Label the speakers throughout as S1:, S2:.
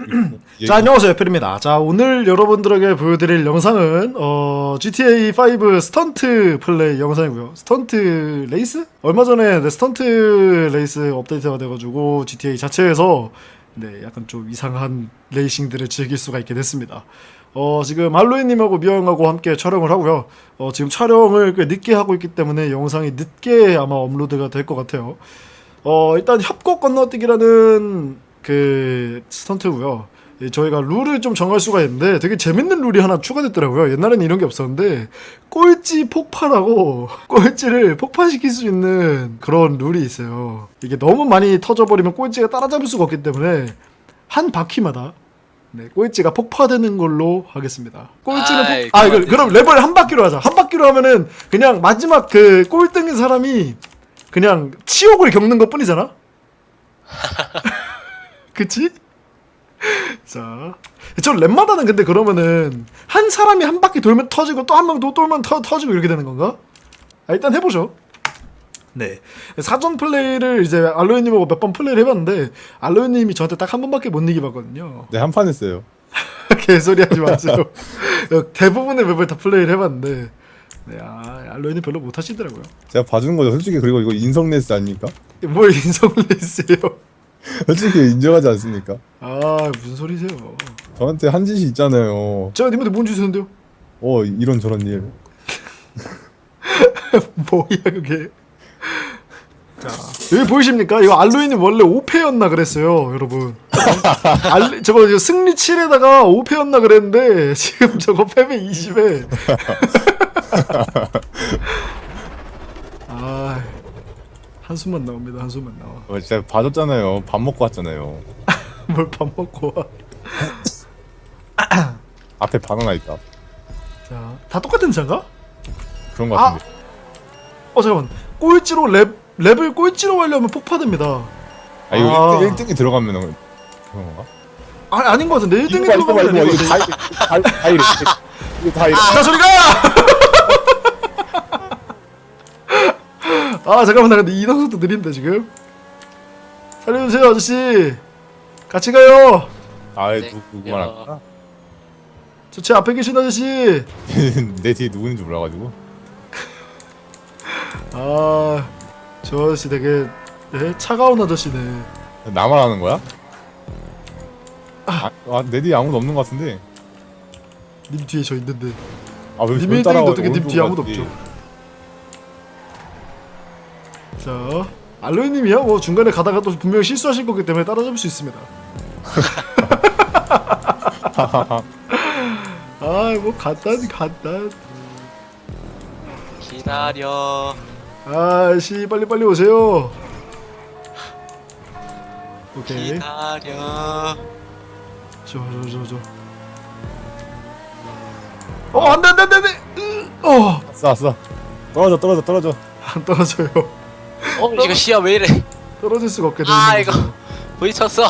S1: 자, 안녕하세요, 애플입니다. 자, 오늘 여러분들에게 보여드릴 영상은 GTA5 스턴트 플레이 영상이고요. 스턴트 레이스? 얼마 전에 스턴트 레이스 업데이트가 돼가지고 GTA 자체에서 약간 좀 이상한 레이싱들을 즐길 수가 있게 됐습니다. 지금 할로윈님하고 미영하고 함께 촬영을 하고요. 지금 촬영을 꽤 늦게 하고 있기 때문에 영상이 늦게 아마 업로드가 될 것 같아요. 일단 협곡 건너뛰기라는 그 스턴트고요. 저희가 룰을 좀 정할 수가 있는데 되게 재밌는 룰이 하나 추가됐더라고요. 옛날에는 이런 게 없었는데 꼴찌 폭발하고 꼴찌를 폭발시킬 수 있는 그런 룰이 있어요. 이게 너무 많이 터져버리면 꼴찌가 따라잡을 수가 없기 때문에 한 바퀴마다 꼴찌가 폭파되는 걸로 하겠습니다. 꼴찌는 그럼 레벨 한 바퀴로 하자. 한 바퀴로 하면은 그냥 마지막 그 꼴등인 사람이 그냥 치욕을 겪는 것 뿐이잖아? 그치? 자, 저 랩마다는 근데 그러면은 한 사람이 한 바퀴 돌면 터지고 또 한 명 또 돌면 터지고 이렇게 되는 건가? 일단 해보죠. 네, 사전 플레이를 이제 알로이님하고 몇 번 플레이를 해봤는데 알로이님이 저한테 딱 한 번밖에 못 이기봤거든요.
S2: 네, 한 판 했어요.
S1: 개소리 하지 마세요. 대부분의 맵을 다 플레이를 해봤는데 알로이님 별로 못하시더라고요.
S2: 제가 봐주는 거죠. 솔직히 그리고 이거 인성 레이스 아닙니까?
S1: 뭘 인성 레이스예요?
S2: 솔직히 인정하지 않습니까?
S1: 무슨 소리세요?
S2: 저한테 한 짓이 있잖아요.
S1: 제가 님한테 뭔 주셨는데요?
S2: 이런 저런 일.
S1: 뭐야 그게? 자, 여기 보이십니까? 이거 알로이님 원래 5패였나 그랬어요, 여러분. 저거 승리 7에다가 5패였나 그랬는데 지금 저거 패배 20에. 한숨만 나옵니다. 한숨만 나와.
S2: 제가 봐줬잖아요. 밥 먹고 왔잖아요.
S1: 뭘 밥 먹고 와.
S2: 앞에 바나나 있다.
S1: 자, 다 똑같은 차인가?
S2: 그런 거 같은데.
S1: 잠깐만. 꼴찌로 랩을 꼴찌로 하려면 폭파됩니다.
S2: 이거 1등이 들어가면 그런 건가?
S1: 아닌 것 같은데 1등이 들어가면
S2: 이거
S1: 아닌 것 같은데.
S2: 다 이래. 이거 다 이래.
S1: 자, 저리가! 잠깐만, 나 근데 이동속도 느린데 지금. 살려주세요, 아저씨. 같이 가요.
S2: 누구만 할까?
S1: 저 제 앞에 계신 아저씨.
S2: 내 뒤에 누구인지 몰라가지고.
S1: 저 아저씨 되게 차가운 아저씨네.
S2: 나만 하는 거야? 내 뒤에 아무도 없는 것 같은데.
S1: 님 뒤에 저 있는데.
S2: 왜
S1: 님 1등인데 어떻게 님 뒤에 아무도 없죠? 자, 알로이님이야 뭐 중간에 가다가 또 분명히 실수하실 거기 때문에 따라잡을 수 있습니다. 뭐 간단.
S3: 기다려.
S1: 씨 빨리 오세요. 오케이.
S3: 기다려.
S1: 저. 안돼.
S2: 아싸. 떨어져.
S1: 안 떨어져요.
S3: 이거 시야 왜 이래?
S1: 떨어질 수가 없게 되는
S3: 이거 부딪혔어.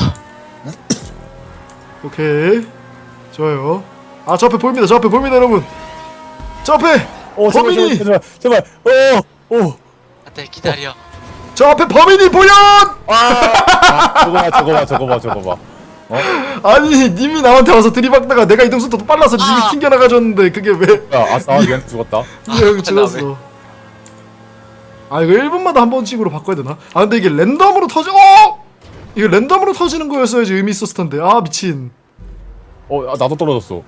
S1: 오케이. 좋아요. 저 앞에 보입니다. 여러분. 저 앞에 범인이.
S2: 제발.
S3: 안돼 기다려.
S1: 저 앞에 범인이 보여.
S2: 저거 봐.
S1: 아니 님이 나한테 와서 들이박다가 내가 이동 속도 빨라서 님이 튕겨나가줬는데 그게 왜?
S2: 얘한테 죽었다.
S1: 형 죽었어. 이거 1분마다 한 번씩으로 바꿔야 되나? 근데 이게 랜덤으로 이거 랜덤으로 터지는 거였어야지 의미 있었을 텐데. 미친.
S2: 나도 떨어졌어.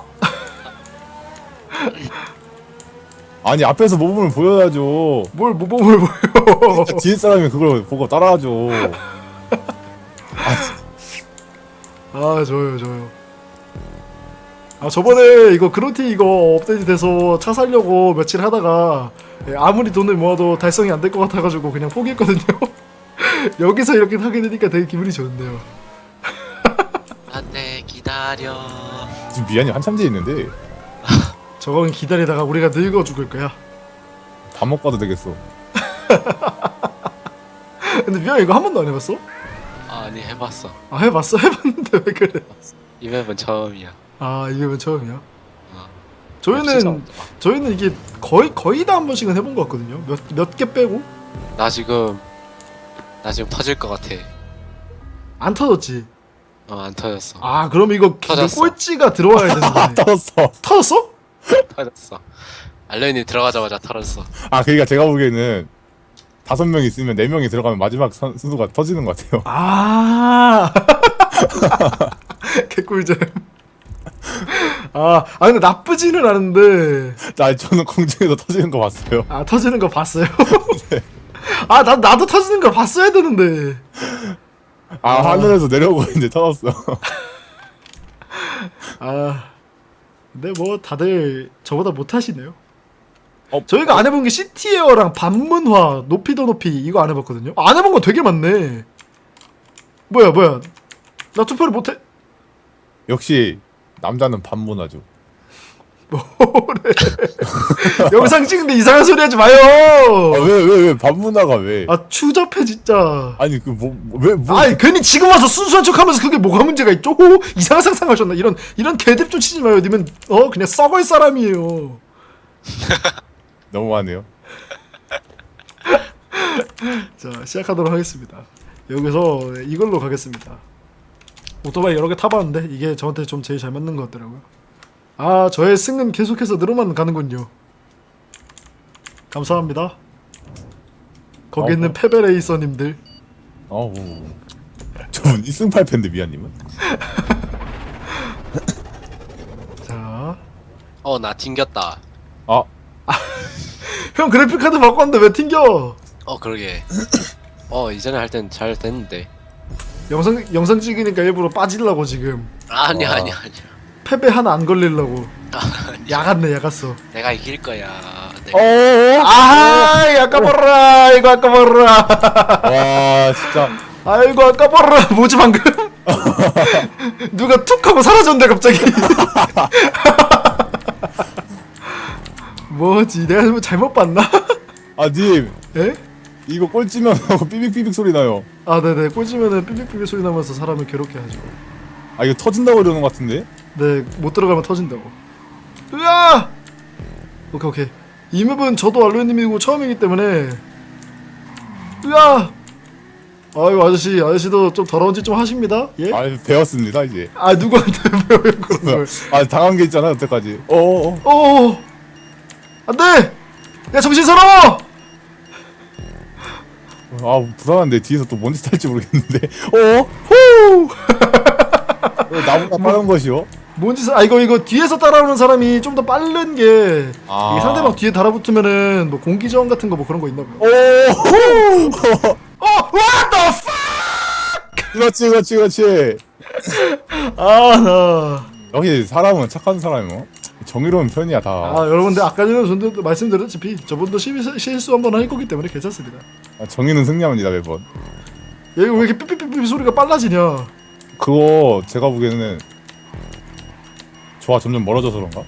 S2: 아니 앞에서 모범을 보여야죠.
S1: 뭘 모범을 보여?
S2: 뒤에 사람이 그걸 보고 따라하죠.
S1: 좋아요. 저번에 이거 그로티 이거 업데이트 돼서 차 살려고 며칠 하다가 아무리 돈을 모아도 달성이 안 될 것 같아가지고 그냥 포기했거든요. 여기서 이렇게 하게 되니까 되게 기분이 좋은데요.
S3: 안돼 기다려.
S2: 지금 미안이 한참 뒤에 있는데.
S1: 저건 기다리다가 우리가 늙어 죽을 거야.
S2: 밥 먹고 와도 되겠어.
S1: 근데 미안 이거 한 번도 안 해봤어?
S3: 아니 해봤어.
S1: 해봤는데 왜 그래?
S3: 이 맵은 처음이야.
S1: 이 맵은 처음이야?
S3: 진짜
S1: 저희는 이게 거의 다 한 번씩은 해본 것 같거든요. 몇 개 빼고.
S3: 나 지금 터질 것 같아.
S1: 안 터졌지?
S3: 안 터졌어.
S1: 아 그럼 이거
S3: 터졌어.
S1: 꼴찌가 들어와야 되는데.
S2: 떨었어.
S1: 터졌어?
S3: 터졌어. 알렌이 들어가자마자 터졌어.
S2: 아 그러니까 제가 보기에는 5명 있으면 4명이 들어가면 마지막 순수가 터지는 것 같아요.
S1: 아 개꿀잼. 근데 나쁘지는 않은데.
S2: 저는 공중에서 터지는 거 봤어요.
S1: 아 터지는 거 봤어요? 나도 터지는 걸 봤어야 되는데.
S2: 하늘에서 내려오고 있는데 터졌어.
S1: 근데 뭐 다들 저보다 못하시네요.
S2: 어,
S1: 저희가 안 해본 게 시티에어랑 반문화, 높이 더 높이 이거 안 해봤거든요. 안 해본 거 되게 많네. 뭐야 나 투표를 못해.
S2: 역시 남자는 반문화죠.
S1: 뭐래. 영상 찍는데 이상한 소리 하지 마요.
S2: 왜 반문화가 왜?
S1: 추잡해 진짜.
S2: 아니 왜
S1: 아니 괜히 지금 와서 순수한 척하면서 그게 뭐가 문제가 있죠? 이상한 상상하셨나? 이런 개뎁 좀 치지 마요. 님은 그냥 썩을 사람이에요.
S2: 너무하네요.
S1: 자 시작하도록 하겠습니다. 여기서 이걸로 가겠습니다. 오토바이 여러 개 타봤는데 이게 저한테 좀 제일 잘 맞는 것 같더라고요. 저의 승은 계속해서 늘어만 가는군요. 감사합니다. 거기 있는 페베레이서님들.
S2: 저분 1승8패인데 미아님은?
S1: 자,
S3: 나 튕겼다.
S1: 형 그래픽카드 바꿨는데 왜 튕겨?
S3: 그러게. 이전에 할 땐 잘 됐는데.
S1: 영상 찍으니까 일부러 빠지려고 지금.
S3: 아니야.
S1: 패배 하나 안 걸리려고. 야갔어.
S3: 내가 이길 거야.
S1: 아까봐라 이거 아까봐라.
S2: 와 진짜.
S1: 아이고 아까봐라. 뭐지 방금? 누가 툭 하고 사라졌는데 갑자기. 뭐지 내가 뭐 잘못 봤나?
S2: 님
S1: 예?
S2: 이거 꼴찌면 삐빅삐빅 소리 나요.
S1: 네네 꽂으면은 삐빅삐빅 소리 나면서 사람을 괴롭게 하죠.
S2: 이거 터진다고 이러는 것 같은데?
S1: 네, 못 들어가면 터진다고. 으아! 오케이. 이 맵은 저도 알로에님이고 처음이기 때문에. 으아! 아이고 아저씨도 좀 더러운 짓 좀 하십니다. 예?
S2: 배웠습니다 이제.
S1: 누구한테 배워요 그런 걸?
S2: 당한 게 있잖아 여태까지.
S1: 안돼! 야 정신 사나워!
S2: 불안한데 뒤에서 또 뭔 짓 할지 모르겠는데.
S1: 후!
S2: 나보다 빠른 것이요?
S1: 뭔 짓을? 이거 뒤에서 따라오는 사람이 좀 더 빠른 게 이게 상대방 뒤에 달아붙으면은 뭐 공기 저항 같은 거 뭐 그런 거 있나 봐요. What the fuck!
S2: 그렇지.
S1: 나.
S2: 여기 사람은 착한 사람이요. 정의로운 편이야 다.
S1: 여러분들 아까 전에 저도 말씀드렸다시피 저분도 실수 한번 할 거기 때문에 괜찮습니다.
S2: 정의는 승리합니다 매번.
S1: 여기 왜 이렇게 삐삐삐삐 소리가 빨라지냐?
S2: 그거 제가 보기에는 조화 점점 멀어져서 그런가?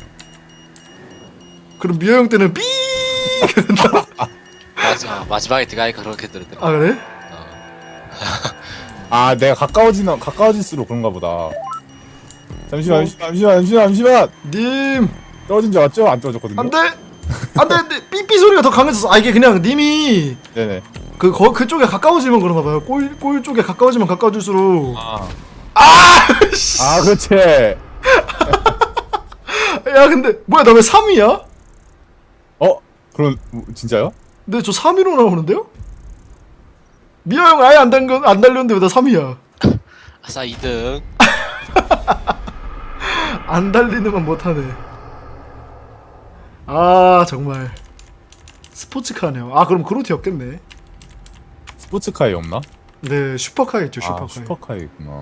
S1: 그럼 미호 형 때는 삐.
S3: 맞아. 마지막에 들어가니까 그렇게 들었더라.
S1: 그래?
S2: 내가 가까워질수록 그런가 보다. 잠시만.
S1: 님
S2: 떨어진 줄 알았죠? 안 떨어졌거든요.
S1: 안돼 삐삐 소리가 더 강해졌어. 이게 그냥 님이
S2: 네네.
S1: 그쪽에 가까워지면 그런가 봐요. 골 쪽에 가까워지면 가까워질수록.
S2: 그렇지.
S1: 야 근데 뭐야 나 왜 3위야?
S2: 그럼 진짜요?
S1: 근데 저 3위로 나오는데요? 미호 형 아예 안 달렸는데 왜 나 3위야?
S3: 아싸 2등.
S1: 안 달리는 건 못하네. 정말 스포츠카네요. 그럼 그로티 없겠네.
S2: 스포츠카에 없나?
S1: 네 슈퍼카 있죠. 슈퍼카.
S2: 슈퍼카에 있구나.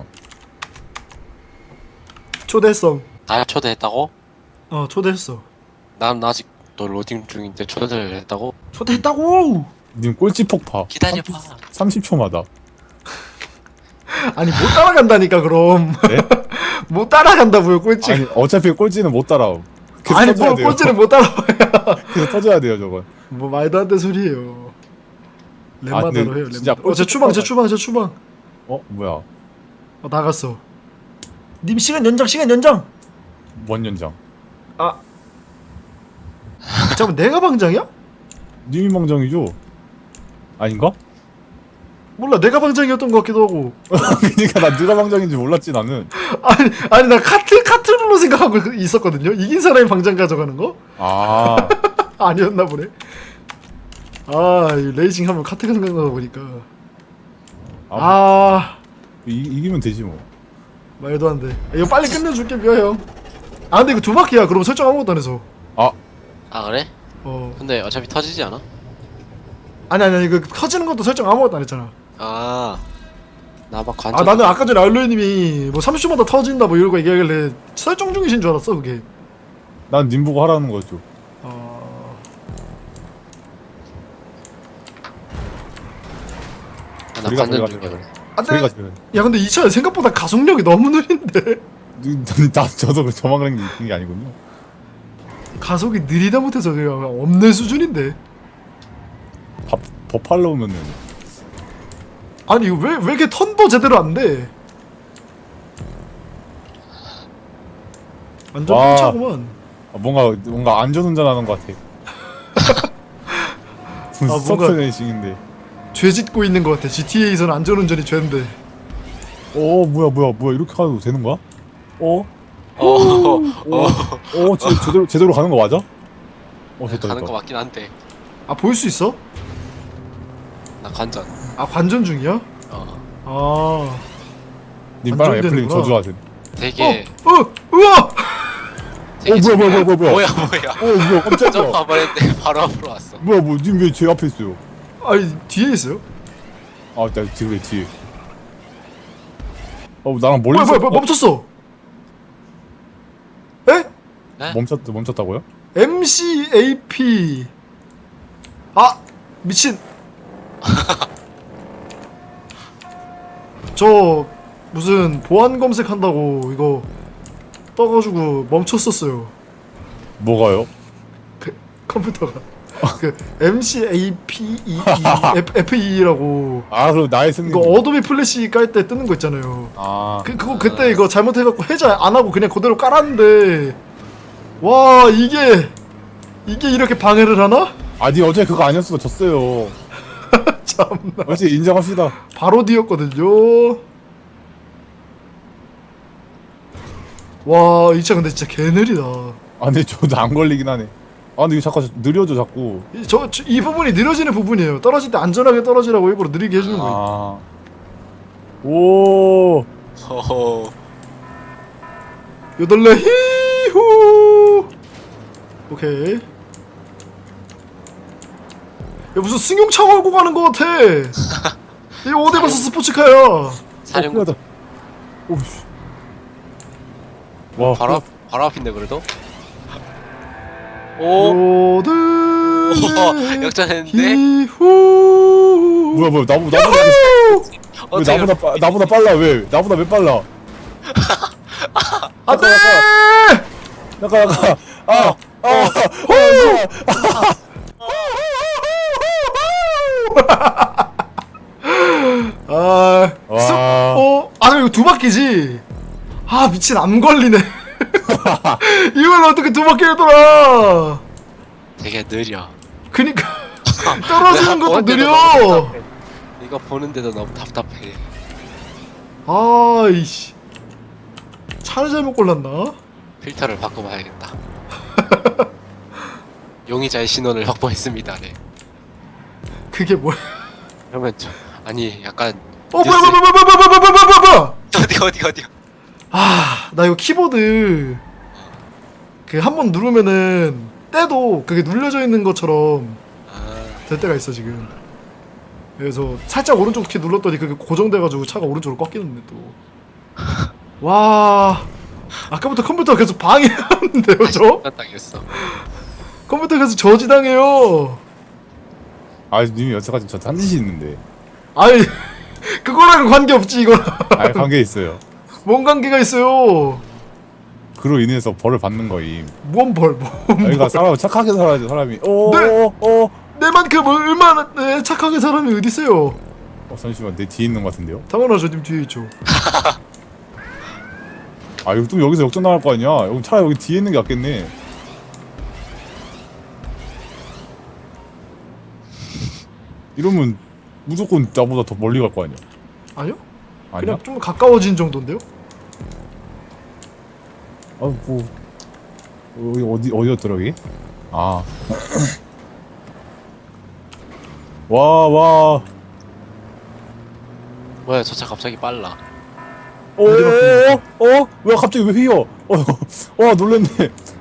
S1: 초대성.
S3: 나 초대했다고?
S1: 초대했어.
S3: 난 아직 너 로딩 중인데 초대를 했다고?
S1: 초대했다고.
S2: 님 꼴찌 폭파.
S3: 기다려봐.
S2: 30초마다.
S1: 아니 못 따라간다니까 그럼.
S2: 네?
S1: 못 따라간다고요 꼴찌.
S2: 어차피 꼴찌는 못 따라오.
S1: 아니 꼴찌를 못 따라와요.
S2: 계속 터져야 돼요 저건.
S1: 뭐 말도 안 되는 소리예요. 렘마더로
S2: 근데
S1: 해요.
S2: 진짜
S1: 렘마더. 제 추방.
S2: 뭐야?
S1: 나갔어. 님 시간 연장.
S2: 뭔 연장?
S1: 잠깐 내가 방장이야?
S2: 님이 망정이죠? 아닌가?
S1: 몰라 내가 방장이었던 것 같기도 하고.
S2: 그러니까 나 누가 방장인지 몰랐지 나는.
S1: 아니 나 카트롤로 생각하고 있었거든요. 이긴 사람이 방장 가져가는 거?
S2: 아
S1: 아니었나 보네. 이 레이싱 하면 카트가 생각나다 보니까.
S2: 이기면 되지 뭐.
S1: 말도 안 돼. 이거 빨리 끝내줄게 미아 형. 근데 이거 두 바퀴야. 그럼 설정 아무것도 안 해서.
S3: 아 그래? 근데 어차피 터지지 않아?
S1: 아니 이거 터지는 것도 설정 아무것도 안 했잖아.
S3: 나 막 관전.
S1: 나는 아까 전에 알로이님이 뭐 30초마다 터진다 뭐 이러고 얘기하길래 설정 중이신 줄 알았어 그게.
S2: 난 님 보고 하라는 거죠.
S3: 나 관전 중이야 그래.
S2: 저희가
S1: 야 근데 이 차 생각보다 가속력이 너무 느린데.
S2: 저도 저만 그런 게 있는 게 아니군요.
S1: 가속이 느리다 못해서 그냥 없는 수준인데.
S2: 버팔로 오면은
S1: 아니 이거 왜 이렇게 턴도 제대로 안 돼? 완전
S2: 와.
S1: pun차구만.
S2: 뭔가 안전운전하는 것 같아.
S1: 뭔가-
S2: 스타트 레이싱인데.
S1: 죄 짓고 있는 것 같아. GTA에서는 안전운전이 죄인데.
S2: 뭐야 이렇게 가도 되는 거야? 제대로 가는 거 맞아? 됐다.
S3: 가는 거 맞긴 한데.
S1: 볼 수 있어?
S3: 나 관전.
S1: 관전 중이야?
S2: 님 빨랑
S1: 관전되는구나.
S2: 애플님 저주하세요.
S3: 되게
S1: 우와!
S3: 되게
S2: 뭐야.
S3: 뭐야
S2: 뭐야 깜짝이야.
S3: 좀 가버렸는데 바로 앞으로 왔어.
S2: 님 왜 제 앞에 있어요?
S1: 아니 뒤에 있어요?
S2: 나 뒤에. 나랑 멀리서
S1: 뭐야 멈췄어. 에?
S3: 네?
S2: 멈췄다고요?
S1: MCAP. 미친. 저 무슨 보안 검색한다고 이거 떠가지고 멈췄었어요.
S2: 뭐가요?
S1: 컴퓨터가. 그 MCAPEE FE라고
S2: 그럼 나의 승리.
S1: 이거 어도비 플래시 깔 때 뜨는 거 있잖아요. 그거 그때 이거 잘못해갖고 해제 안 하고 그냥 그대로 깔았는데 와 이게 이렇게 방해를 하나?
S2: 니 어제 그거 아니었어 졌어요.
S1: 참나.
S2: 어제 인정합시다.
S1: 바로 뒤였거든요. 와 이 차 근데 진짜 개느리다.
S2: 근데 저도 안 걸리긴 하네. 근데 이거 자꾸 느려져 자꾸.
S1: 이 부분이 느려지는 부분이에요. 떨어질 때 안전하게 떨어지라고 일부러 느리게 해주는 거예요.
S2: 오.
S3: 허허.
S1: 요덜레 히후. 오케이. 야 무슨 승용차 몰고 가는 거 같아. 이거 어디 가서 스포츠카야.
S3: 사령.
S2: 오씨. 와.
S3: 바로 앞인데 그래도. 오.
S1: 요덜레
S3: 역전했는데.
S1: 히후.
S2: 뭐야 나보다 빨라 왜? 나보다 왜 빨라?
S1: 안돼.
S2: 나가.
S1: 이거 두 바퀴지? 미친 안 걸리네. 이걸 어떻게 두 바퀴를 돌아?
S3: 되게 느려.
S1: 그니까 떨어지는 것도 느려.
S3: 이거 보는데도 너무 답답해.
S1: 이씨 차를 잘못 골랐나?
S3: 필터를 바꿔봐야겠다. 용의자의 신원을 확보했습니다. 네.
S1: 그게 뭐야?
S3: 그러면 아니 약간
S1: 뭐야?
S3: 어디야?
S1: 나 이거 키보드 그 한 번 누르면은 때도 그게 눌려져 있는 것처럼 될 때가 있어 지금. 그래서 살짝 오른쪽 키 눌렀더니 그게 고정돼가지고 차가 오른쪽으로 꺾이는데 또. 와 아까부터 컴퓨터가 계속 방해하는데요 저?
S3: 당했어.
S1: 컴퓨터 계속 저지당해요.
S2: 님이 여태까지 저 한 짓이 있는데.
S1: 아니 그거랑은 관계없지 이거.
S2: 관계 있어요.
S1: 뭔 관계가 있어요?
S2: 그로 인해서 벌을 받는 거임.
S1: 뭔 벌?
S2: 그러니까 사람 착하게 살아야지 사람이.
S1: 내만큼 얼마나 착하게 사람이 어디 있어요?
S2: 잠시만 내 뒤에 있는 것 같은데요?
S1: 당연하죠, 님 뒤에 있죠.
S2: 이거 또 여기서 역전 나갈 거 아니야? 여기 차라리 여기 뒤에 있는 게 낫겠네. 이러면 무조건 나보다 더 멀리 갈 거 아니야.
S1: 아니요?
S2: 아니야?
S1: 그냥 좀 가까워진 정도인데요?
S2: 뭐 어디였더라 이게? 아. 와.
S3: 뭐야 저 차 갑자기 빨라.
S2: 왜 갑자기 왜 휘어? 놀랬네.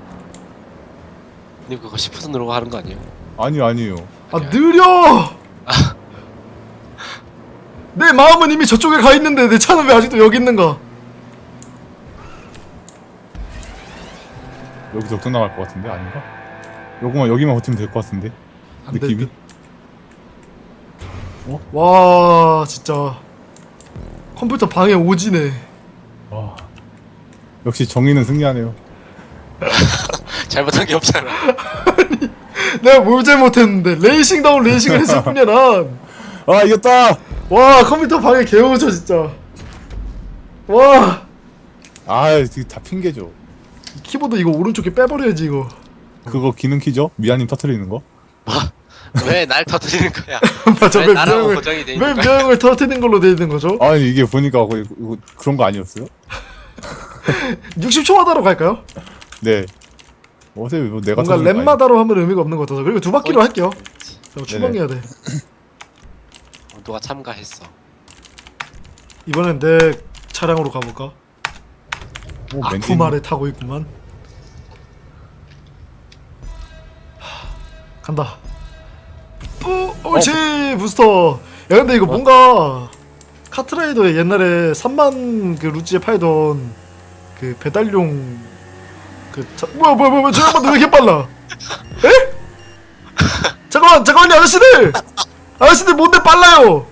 S3: 님 그거 시프트 누르고 하는 거 아니에요?
S2: 아니요.
S1: 아 느려! 내 마음은 이미 저쪽에 가 있는데 내 차는 왜 아직도 여기 있는가?
S2: 여기서 역전 나갈 것 같은데 아닌가? 여기만 버티면 될 것 같은데.
S1: 안 돼,
S2: 느낌이?
S1: 와 진짜 컴퓨터 방해 오지네.
S2: 와. 역시 정의는 승리하네요.
S3: 잘못한 게 없잖아.
S1: 내가 뭘 잘못했는데 레이싱다운 레이싱을 했을 뿐이야 난.
S2: 아 이겼다.
S1: 와 컴퓨터 방해 개오져 진짜. 와
S2: 이게 다 핑계죠.
S1: 키보드 이거 오른쪽에 빼버려야지 이거.
S2: 그거 기능 키죠? 미아님 터트리는 거?
S3: 왜 날 터뜨리는 거야?
S1: 맞아.
S3: 왜 나라고 고정이 돼
S1: 왜
S3: 있는 거야?
S1: 미양을 터트리는 걸로 돼 있는 거죠?
S2: 아니 이게 보니까 이거 그런 거 아니었어요?
S1: 60초마다로 갈까요?
S2: 네. 어제 뭐 내가
S1: 뭔가
S2: 터트리는 거
S1: 랩마다로 하면 의미가 없는 것 같아서. 그리고 두 바퀴로 할게요. 추방해야 돼.
S3: 누가 참가했어.
S1: 이번엔 내 차량으로 가볼까?
S2: 아니야? 뭐
S1: 아쿠마를 타고 있구만. 간다. 옳지 부스터. 야 근데 이거 뭔가 카트라이더에 옛날에 3만 그 루지에 팔던 그 배달용 뭐야 잠깐만 왜 이렇게 빨라? 에? 잠깐만요 아저씨들 뭔데 빨라요?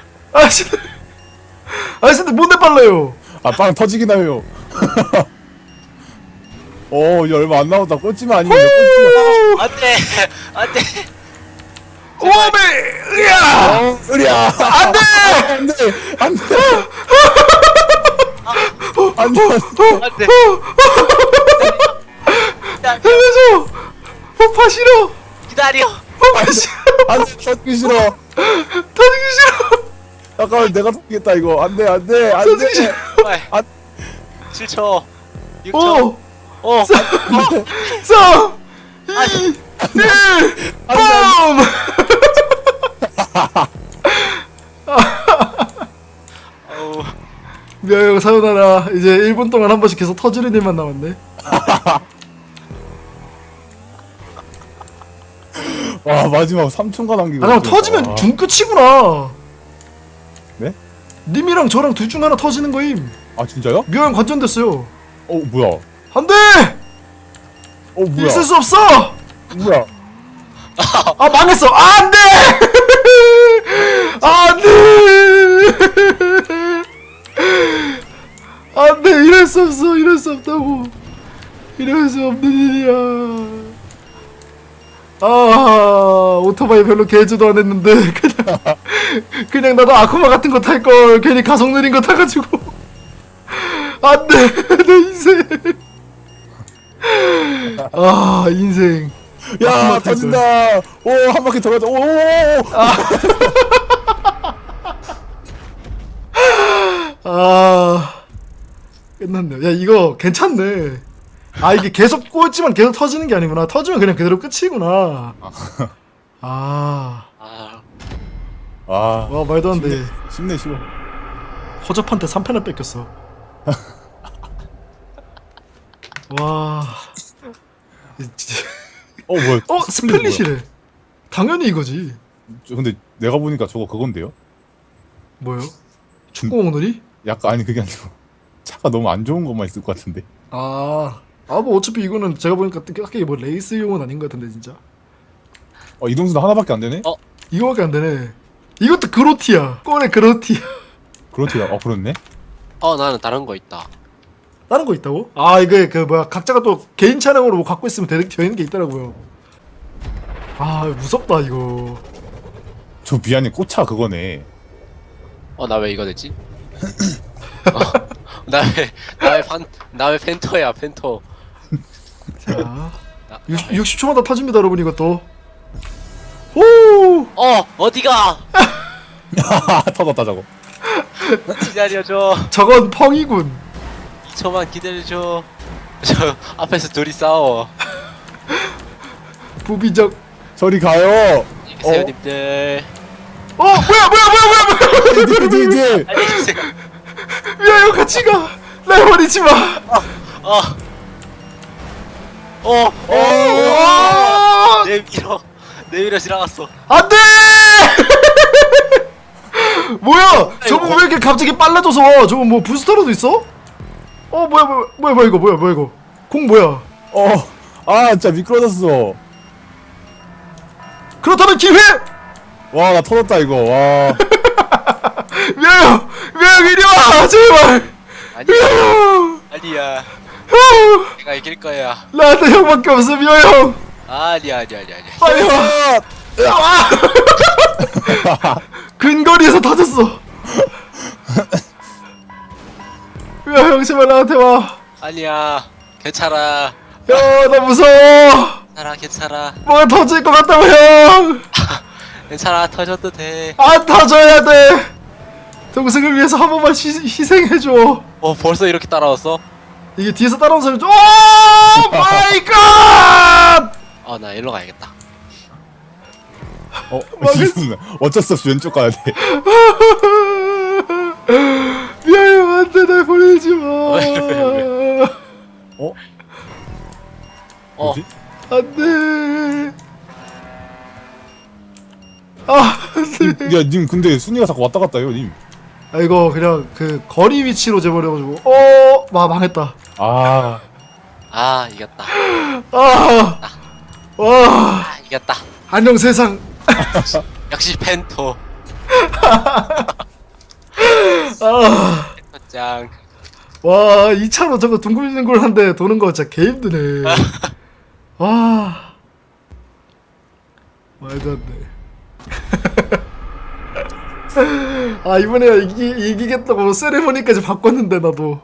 S1: 아저씨들 뭔데 빨라요?
S2: 빵 터지긴 하요. 이제 얼마 안 남았다. 꽂지마 아니면 꽂지마.
S3: 안돼.
S1: 오메 으야
S2: 으랴.
S1: 안돼
S3: 안돼.
S1: 살려줘 폭파 싫어
S3: 기다려.
S1: 폭파 싫어
S2: 안돼 터지기 싫어.
S1: 터지기 싫어
S2: 잠깐만 내가 터지겠다 이거. 안돼.
S1: 터지기 싫어.
S2: 안-
S3: 7초. 6초.
S1: 5
S3: 5.
S1: 3 2 1 뿜!
S3: 어우.
S1: 미아형 사요나라. 이제 1분 동안 한 번씩 계속 터지는 일만 남았네.
S2: 와 마지막 3초가 남기고.
S1: 아, 그럼 터지면 중 끝이구나.
S2: 네?
S1: 님이랑 저랑 둘 중 하나 터지는 거임.
S2: 아 진짜요?
S1: 미아형 관전됐어요.
S2: 뭐야?
S1: 안 돼!
S2: 뭐야?
S1: 있을 수 없어!
S2: 뭐야?
S1: 아, 망했어! 아, 안 돼! 안 돼! 안 돼! 이럴 수 없어! 이럴 수 없다고! 이럴 수 없는 일이야. 오토바이 별로 개주도 안 했는데, 그냥 나도 아쿠마 같은 거 탈 걸, 괜히 가속 느린 거 타가지고. 안 돼! 내 인생! 인생.
S2: 야
S1: 아쿠마 탈
S2: 터진다. 한 바퀴 더 가자.
S1: 끝났네. 야, 이거 괜찮네. 이게 계속 꽂지만 계속 터지는 게 아니구나. 터지면 그냥 그대로 끝이구나. 와, 말도 안 돼.
S2: 쉽네 쉬워.
S1: 허접한테 3패나 뺏겼어. 와.
S2: 뭐야?
S1: 스플릿이래. 당연히 이거지.
S2: 근데 내가 보니까 저거 그건데요?
S1: 뭐요? 축구공 오늘이?
S2: 약간 아니 그게 아니고 차가 너무 안 좋은 것만 있을 것 같은데.
S1: 뭐 어차피 이거는 제가 보니까 딱히 뭐 레이스용은 아닌 것 같은데 진짜.
S2: 이동수도 하나밖에 안 되네?
S1: 이거밖에 안 되네. 이것도 그로티야. 꼴에 그로티야.
S2: 그렇지요. 그렇네.
S3: 나는 다른 거 있다.
S1: 다른 거 있다고? 이게 그 뭐야 각자가 또 개인 차량으로 뭐 갖고 있으면 되는 게 있더라고요. 무섭다 이거.
S2: 저 미안해 꽃차 그거네.
S3: 나 왜 이거 됐지? 나 왜 펜터야 펜터.
S1: 자 60초마다 터집니다 여러분 이것도. 호!
S3: 어디가?
S2: 터졌다 저거.
S3: 기다려줘.
S1: 저건 펑이군.
S3: 2초만 기다려줘. 저 앞에서 둘이 싸워.
S1: 부비적.
S2: 저리 가요.
S3: 안녕히 계세요 님들.
S1: 뭐야
S2: 뒤.
S3: 안녕히 계세요.
S1: 미아야 같이 가. 날 버리지 마.
S3: 내밀어 지나갔어.
S1: 안돼. 뭐야? 저거 왜 이렇게 갑자기 빨라져서? 저거 뭐 부스터로도 있어? 뭐야 이거? 공 뭐야?
S2: 진짜 미끄러졌어.
S1: 그렇다면 기회.
S2: 와, 나 터졌다 이거. 와.
S1: 미아야 이리 와 제발.
S3: 아니야. 아니야. 내가 이길 거야.
S1: 나한테 형밖에 없어 미아 형.
S3: 아니야.
S1: 빨리 와. 근거리에서 터졌어. 미아 형 제발 나한테 와.
S3: 아니야. 괜찮아.
S1: 야, 나 무서워.
S3: 괜찮아.
S1: 뭐가 터질 것 같다고 형.
S3: 괜찮아. 터져도 돼.
S1: 안 터져야 돼. 동생을 위해서 한 번만 희생해줘.
S3: 벌써 이렇게 따라왔어?
S1: 이게 뒤에서 따라온 사람이 오 마이 갓.
S3: 나 일로 가야겠다.
S2: 이거는 어쩔 수 없이 왼쪽 가야 돼.
S1: 미안해 안돼 날 보내지 마.
S3: 왜?
S2: 뭐지?
S1: 안돼. 안돼.
S2: 야, 님 근데 순위가 자꾸 왔다 갔다 해요, 님.
S1: 이거 그냥 그 거리 위치로 재버려가지고 망했다.
S3: 이겼다.
S1: 와
S3: 이겼다.
S1: 안녕 세상.
S3: 역시 펜토. 짱.
S1: 와 2차로 저거 둥글둥글한데 도는 거 진짜 개 힘드네. 와 말도 안 돼. 이번에 이기겠다고 세레머니까지 바꿨는데 나도.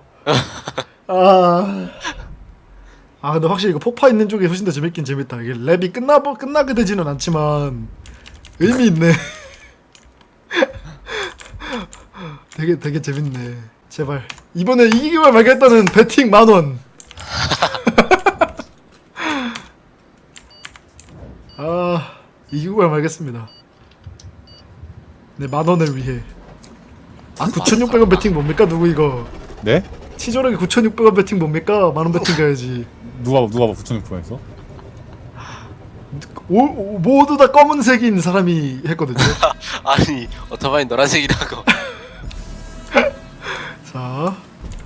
S1: 근데 확실히 이거 포파 있는 쪽이 훨씬 더 재밌긴 재밌다. 이게 랩이 끝나게 되지는 않지만 의미 있네. 되게 재밌네. 제발 이번에 이기기만 말겠다는 배팅 10,000원. 이기기만 말겠습니다. 네 10,000원을 위해. 9,600원 배팅 뭡니까 누구 이거?
S2: 네?
S1: 치졸하게 9,600원 배팅 뭡니까? 만원 배팅 가야지.
S2: 누가 봐 9,600원에서?
S1: 모두 다 검은색인 사람이 했거든요.
S3: 아니 오토바이 노란색이라고.
S1: 자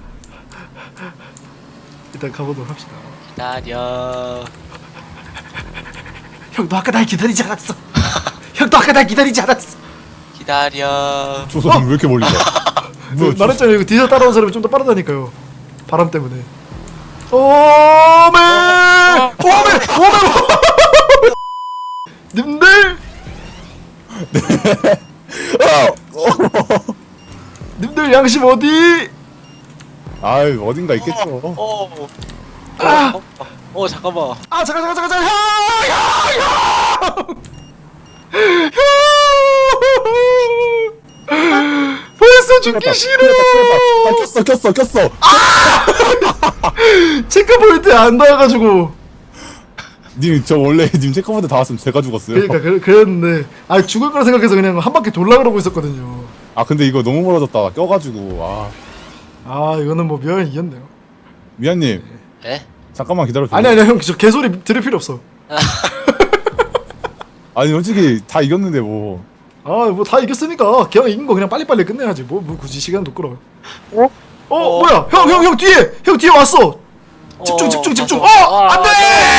S1: 일단 가보도록 합시다.
S3: 기다려.
S1: 형도 아까 날 기다리지 않았어. 형도 아까 날 기다리지 않았어.
S3: 기다려.
S2: 저 사람 왜 이렇게 멀리 가? 뭐야,
S1: 말했잖아요. 이거 뒤에서 따라온 사람이 좀 더 빠르다니까요. 바람 때문에. 오메! 님들! 님들 양심 어디?
S2: 어딘가 있겠죠.
S3: 잠깐만.
S1: 잠깐 형! 벌써 죽기 싫어.
S2: 꼈어.
S1: 체크포인트에 안 닿아가지고.
S2: 님, 저 원래 님 체크포인트 다 왔으면 제가 죽었어요.
S1: 그러니까 그랬는데 죽을 거라 생각해서 그냥 한 바퀴 돌라 그러고 있었거든요.
S2: 근데 이거 너무 멀어졌다. 껴가지고.
S1: 이거는 뭐 미안해 이겼네요.
S2: 미안님,
S3: 에?
S2: 잠깐만 기다려줘.
S1: 아니 형 저 개소리 들을 필요 없어.
S2: 솔직히 다 이겼는데 뭐.
S1: 뭐 다 이겼으니까 그냥 이긴 거 그냥 빨리빨리 끝내야지. 뭐 굳이 시간도 끌어. 뭐야? 형 뒤에 왔어. 집중. 안돼!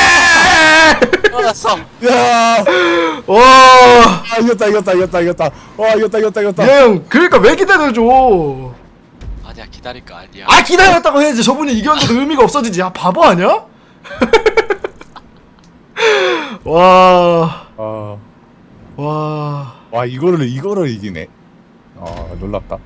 S3: 알았어.
S2: 야,
S1: 와.
S2: 이겼다. 와, 이겼다.
S1: 형 그러니까 왜 기다려줘?
S3: 아니야 기다릴 거 아니야.
S1: 기다렸다고 해야지. 저분이 이겼는데도 의미가 없어지지. 바보 아니야? 와,
S2: 이거를 이기네. 놀랍다.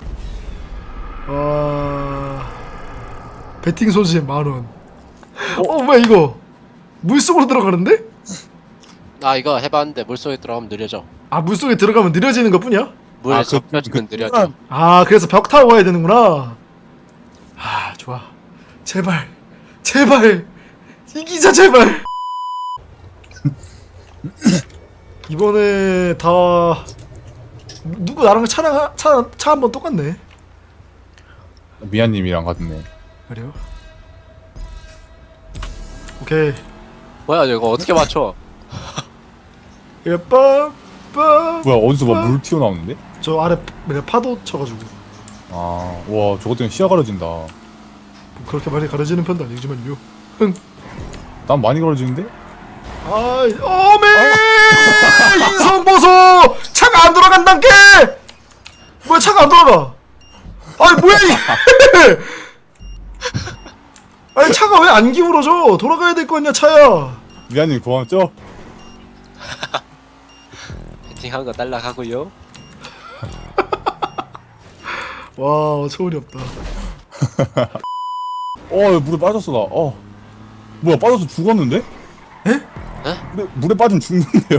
S1: 배팅 손실 10,000원. 뭐야 이거? 물속으로 들어가는데?
S3: 이거 해봤는데 물속에 들어가면 느려져.
S1: 물속에 들어가면 느려지는 것 뿐이야?
S3: 물에
S2: 그
S3: 접혀지면 느려져.
S1: 아 그래서 벽 타고 가야 되는구나. 아 좋아. 제발 제발 이기자 제발. 이번에 다 누구 나랑 차 한 번 똑같네.
S2: 미아님이랑 같네.
S1: 그래요? 오케이.
S3: 뭐야 이거 어떻게 맞춰?
S1: 이거 빠빠.
S2: 뭐야 어디서 막 물 튀어나오는데?
S1: 저 아래 파도 쳐가지고
S2: 아와 저것 때문에 시야 가려진다.
S1: 그렇게 많이 가려지는 편도 아니지만요. 흥.
S2: 난 많이 가려지는데?
S1: 아이 어메 인성 보소. 차가 안 돌아간단게. 뭐야 차가 안 돌아가. 아니 뭐야 이게. 아니 차가 왜 안 기울어져. 돌아가야 될 거 아니야 차야.
S2: 미아님 고맙죠?
S3: 배팅한 거 딸락하고요.
S1: 와 초월이 없다.
S2: 물에 빠졌어 나. 뭐야 빠져서 죽었는데?
S1: 에?
S2: 물에 빠지면 죽는데요?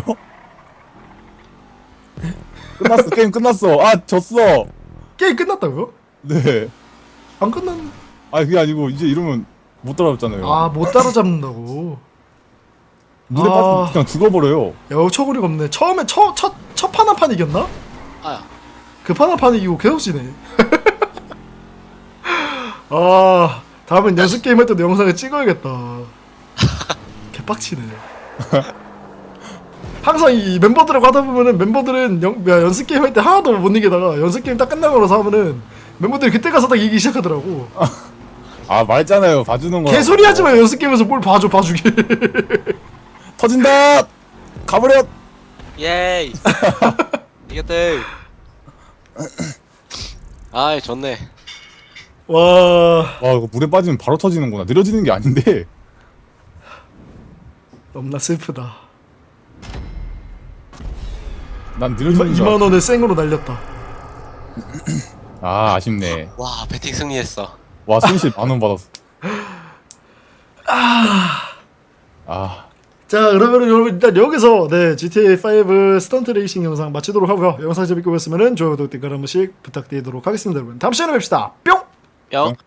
S2: 끝났어 게임 끝났어. 졌어.
S1: 게임 끝났다고요?
S2: 네.
S1: 안 끝났.
S2: 그게 아니고 이제 이러면 못 따라잡잖아요.
S1: 아못 따라잡는다고.
S2: 물에 빠지면 그냥 죽어버려요.
S1: 야 초골이가 없네. 처음에 첫 판 한 판 이겼나?
S3: 아야.
S1: 그 판 한 판 이기고 계속 지네. 아 다음엔 연습 게임 할 때도 영상을 찍어야겠다. 개빡치네. 항상 이 멤버들하고 하다 보면은 멤버들은 연습 게임 할 때 하나도 못 이기다가 연습 게임 딱 끝나고 나서 하면은 멤버들이 그때 가서 딱 이기기 시작하더라고.
S2: 말했잖아요 봐주는 거.
S1: 개소리 하지 마. 연습 게임에서 뭘 봐주길.
S2: 터진다. 가버려.
S3: 예이. 이겼대. 아이 좋네.
S1: 와
S2: 이거 물에 빠지면 바로 터지는구나. 느려지는 게 아닌데.
S1: 너무나 슬프다.
S2: 난 느려지는 줄
S1: 2만 원을 생으로 날렸다.
S2: 아쉽네.
S3: 와 배팅 승리했어.
S2: 와 손실 10,000원 받았어.
S1: 자 그러면 여러분 일단 여기서 GTA5 스턴트 레이싱 영상 마치도록 하고요. 영상 재밌게 보셨으면 좋아요, 구독, 댓글 한 번씩 부탁드리도록 하겠습니다. 여러분 다음 시간에 뵙시다. 뿅!
S3: 뿅.